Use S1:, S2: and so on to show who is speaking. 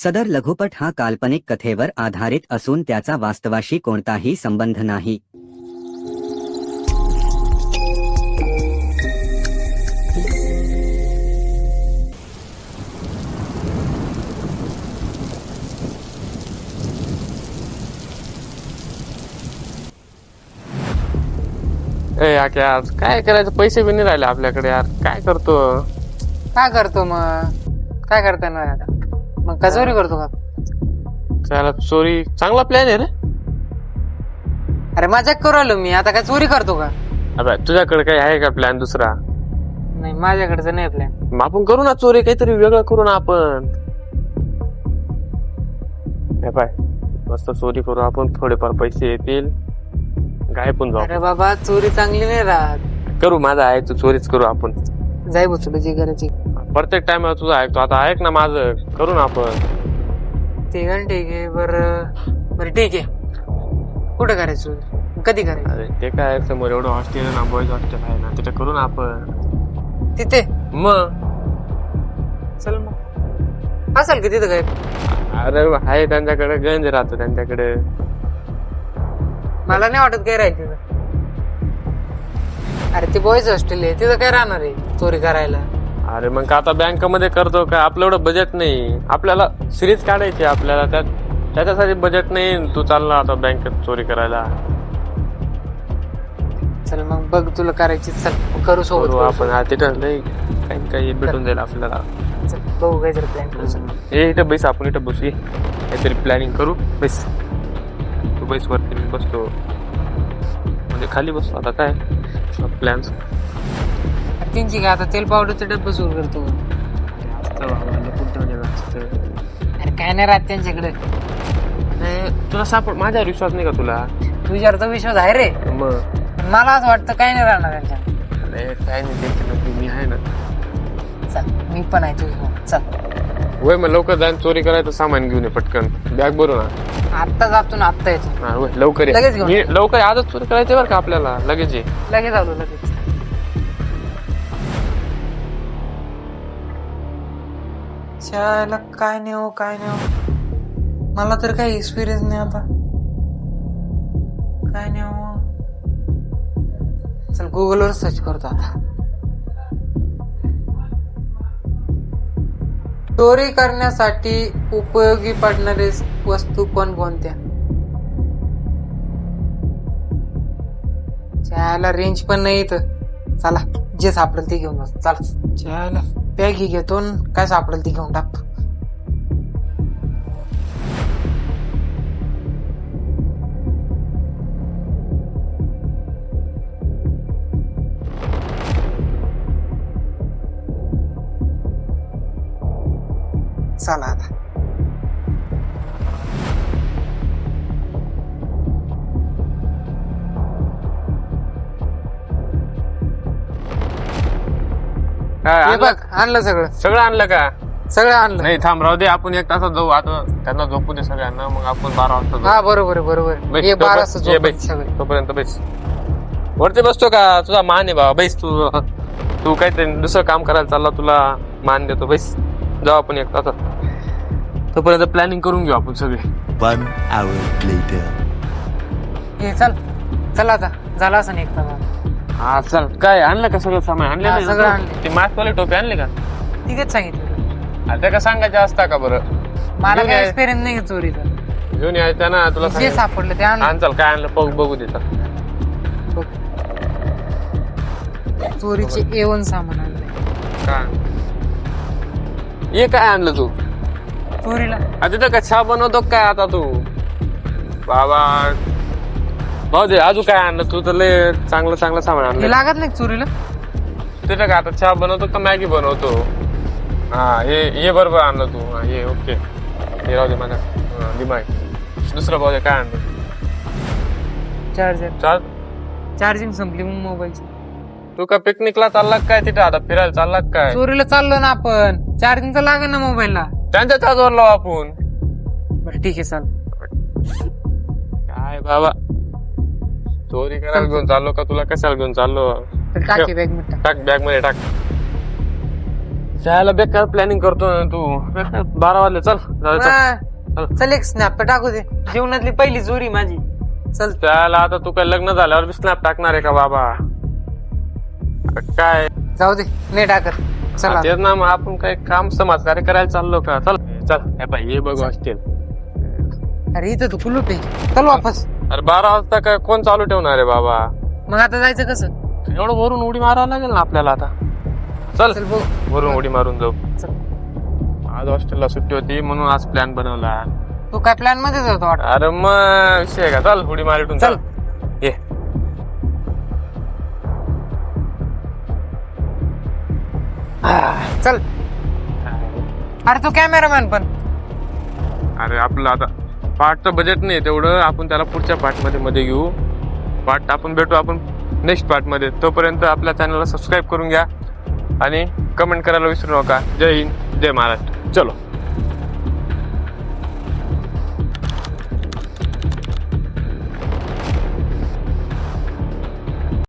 S1: सदर लघुपट हा काल्पनिक कथेवर आधारित असून त्याचा वास्तवाशी कोणताही संबंध नाही.
S2: यार काय करायचं, पैसे बी नाही राहिले आपल्याकडे. यार काय करतो
S3: मग काय करता येणार आता? मग का चोरी करतो का?
S2: त्याला चोरी चांगला प्लॅन आहे रे.
S3: अरे मजाक करू आलो मी. आता काय चोरी करतो का?
S2: अबे तुझ्याकडे काही आहे का प्लॅन दुसरा?
S3: नाही, माझ्याकडचं नाही प्लॅन.
S2: मग आपण करू ना चोरी, काहीतरी वेगळं करू ना आपण. पाय मस्त चोरी करू आपण, थोडेफार पैसे येतील, गायब पण जाऊ.
S3: अरे बाबा, चोरी चांगली नाही राहत.
S2: करू, माझा आहे तू चोरीच करू आपण.
S3: जाई बसलो जे करायची.
S2: प्रत्येक टाइम तुझं ऐकतो, आता ऐक ना माझं, करू ना आपण.
S3: ठीक आहे. बरं ठीक आहे. कुठं करायचं चोरी? कधी करायचं?
S2: अरे ते काय समोर एवढं हॉस्टेल आहे ना, बॉईज हॉस्टेल आहे ना, तिथे करू ना आपण.
S3: तिथे
S2: मग
S3: चल मग. असेल की तिथं काय?
S2: अरे आहे त्यांच्याकडे, गंज राहतो त्यांच्याकडे.
S3: मला नाही वाटत काय राहील तिथं. अरे ते बॉईज हॉस्टेल आहे, तिथं काय राहणार आहे चोरी करायला?
S2: अरे मग आता बँकेमध्ये करतो का? आपलं एवढं बजेट नाही, आपल्याला सिरीज काढायची आपल्याला, त्याच्यासाठी बजेट नाही. तू चालला आता बँकेत चोरी करायला.
S3: चल मग बघ, तुला करायची. चल करू सोबत.
S2: करू आपण. तिथं लई काही भेटून जाईल आपल्याला.
S3: चल बघू काय जर प्लॅन करू.
S2: हे इथं बैस, आपण इथं बसू, काहीतरी प्लॅनिंग करू. बैस तू, बैस वरती, मी बसतो म्हणजे खाली बसतो. आता काय प्लॅन?
S3: त्यांची काय आता तेल पावडरचं डब्बा सुरू करतो. अरे काय नाही राहत त्यांच्याकडे.
S2: तुला सापड, माझ्यावर विश्वास नाही का तुला?
S3: तुझ्यावर तर विश्वास आहे रे,
S2: मग
S3: पण मला असं वाटतं काय नाही राहणार त्यांच्या.
S2: अरे काय नाही, त्यांच्या मी आहे ना.
S3: चल मी पण आहे तुझ्या. चल
S2: वय मग लवकर जाईन, चोरी करायचं सामान घेऊन ये पटकन, बॅग भरू ना.
S3: आत्ता जातो ना, आत्ता येतो.
S2: हा, वय, लवकर ये.
S3: लगेच घेऊन ये.
S2: लवकर आजच चोरी करायची बरं का आपल्याला, लगेच ये.
S3: लगेच आलो, लगेच. शाळेला काय नाही हो. मला तर काही एक्सपिरियन्स नाही आता. काय नाही हो. चल गुगलवर सर्च करतो आता. चोरी करण्यासाठी उपयोगी पडणारे वस्तू कोणकोणत्या? चहाला रेंज पण नाही इथं. चला जे सापडेल ते घेऊन बस. चला चला, बॅग घेतो, काय सापडेल ते घेऊन टाकतो. चला आता.
S2: काय
S3: हे
S2: आणलं?
S3: बघ, आणलं सगळं.
S2: सगळं आणलं का?
S3: सगळं आणलं.
S2: नाही थांब, राहू दे, आपण एक तासात जाऊ. आता त्यांना झोपू दे सगळ्यांना, मग आपण 12 वाजता जाऊ.
S3: हा बरोबर.
S2: बैस,
S3: हे 12
S2: तोपर्यंत- ये बैस,
S3: सगळे.
S2: तोपर्यंत बैस. वरती बसतो का? तुझा मान आहे बाबा, बैस. तू काहीतरी दुसरं काम करायला चालला, तुला मान देतो. बैस, जाऊ आपण एक तासात. तोपर्यंत प्लॅनिंग करून घेऊ आपण सगळे.
S4: 1 hour later.
S3: हे चल आता. झाला असं नाही एकदा.
S2: हा चल. काय आणलं का? सगळं सामान आणलं
S3: हा,
S2: नाही
S3: सगळं
S2: ना?
S3: आणलं.
S2: ते मास्कवाले टोपी आणले का?
S3: ठीकच सांगितलं.
S2: आता का सांगायचं असता का बरं?
S3: मला
S2: घेऊन
S3: काय
S2: ये.
S3: एक्सपिरियन्स नाही चोरीचा.
S2: घेऊन यायचं ना तुला.
S3: जे सापडलं ते आणलं.
S2: आण चल, काय आणलं बघू देतात.
S3: बघ. चोरीचे A1 सामान आणलंय.
S2: काय हे काय आणलं तू?
S3: चोरीला
S2: तिथं का चहा बनवतो काय आता तू? बाबा भाऊ दे, अजून काय आणलं तू? तर लय चांगलं सामान
S3: हे
S2: आणलं.
S3: लागत नाही चोरीला.
S2: तिथं का आता चहा बनवतो का मॅगी बनवतो? हा, हे बरोबर आणलं तू. हा, हे ओके. हे राहू दे माझा दिमाग. दुसरं भाऊ दे, काय आणलं?
S3: चार्जिंग संपली मग मोबाईलची.
S2: तू का पिकनिकला चालला काय? तिथं आता फिरायला चालला काय?
S3: चोरीला चाललो ना आपण. चार्जिंग तर लागेल ना मोबाईलला.
S2: त्यांच्या चार्जवर लाव आपण.
S3: बरं ठीक आहे, चाल.
S2: काय बाबा, चोरी करायला घेऊन चाललो का? तुला कशाला घेऊन चाललो?
S3: टाकी बॅग मध्ये.
S2: टाक बॅग मध्ये टाक. जायला बेकार प्लॅनिंग करतो ना तू बेकार 12 वाजले चल जाऊ चल.
S3: हा. चल एक स्नॅप टाकू दे, जीवनातली पहिली चोरी माझी. चल
S2: त्याला आता तू काय लग्न झाल्यावर बी स्नॅप टाकणार आहे का बाबा? काय
S3: जाऊ दे, नाही टाकत. चला
S2: तेच ना मग आपण काय काम समाजकार्य करायला चाललो का? चल चल हे बाई हे बघ हॉस्टेल.
S3: अरे इथं तू कुलूप आहे, चल वापस.
S2: अरे 12 वाजता काय कोण चालू ठेवणार आहे बाबा?
S3: मग आता जायचं कसं?
S2: एवढं वरून उडी मारावं लागेल ना आपल्याला आता. चल
S3: चल बघ,
S2: वरून उडी मारून जाऊ.
S3: चल.
S2: आज हॉस्टेलला सुट्टी होती म्हणून आज प्लॅन बनवला.
S3: तू काय प्लॅन मध्ये जातो वाटत?
S2: अरे मग विषय आहे का? चल उडी मारिटून चल ये.
S3: चल. अरे तू कॅमेरामॅन पण.
S2: अरे आपलं आता पार्टचं बजेट नाही तेवढं, आपण त्याला पुढच्या पार्ट मध्ये घेऊ. पार्ट आपण भेटू आपण नेक्स्ट पार्ट मध्ये. तोपर्यंत आपल्या चॅनलला सबस्क्राईब करून घ्या आणि कमेंट करायला विसरू नका. जय हिंद, जय महाराष्ट्र. चलो.